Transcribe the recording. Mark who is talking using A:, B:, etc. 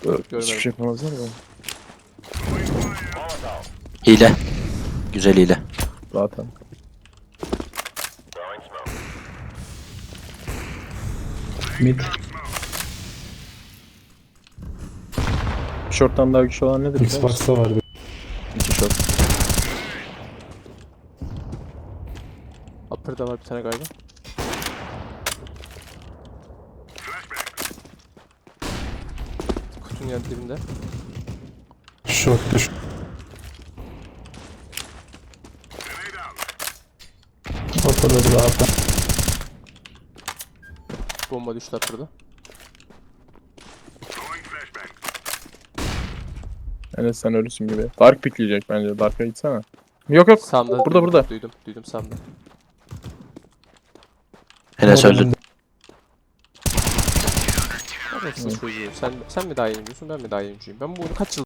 A: Hiçbir
B: Görmedim.
A: şey yapamazlar da.
C: Hile. Güzel hile.
A: Zaten.
D: Mid.
A: Short'tan daha güçlü olan nedir? biliyor musun?
D: Xbox'ta var bir.
A: İki short.
B: Upper'da var bir tane galiba. Kutunun yan dibinde.
D: Short düş. Ortada bir daha atan.
B: Bomba düştü Upper'da.
A: Enes sen ölüsün gibi. Dark pikleyecek bence. Dark'a gitsene. Yok yok.
B: Sağımda
A: Burada,
B: duydum,
A: burada.
B: Duydum sağımda.
C: Enes öldü.
B: Neredesin çocuğu? Sen mi daha iyi oyuncusun, ben mi daha iyi oyuncuyum? Ben bu oyunu kaç yıl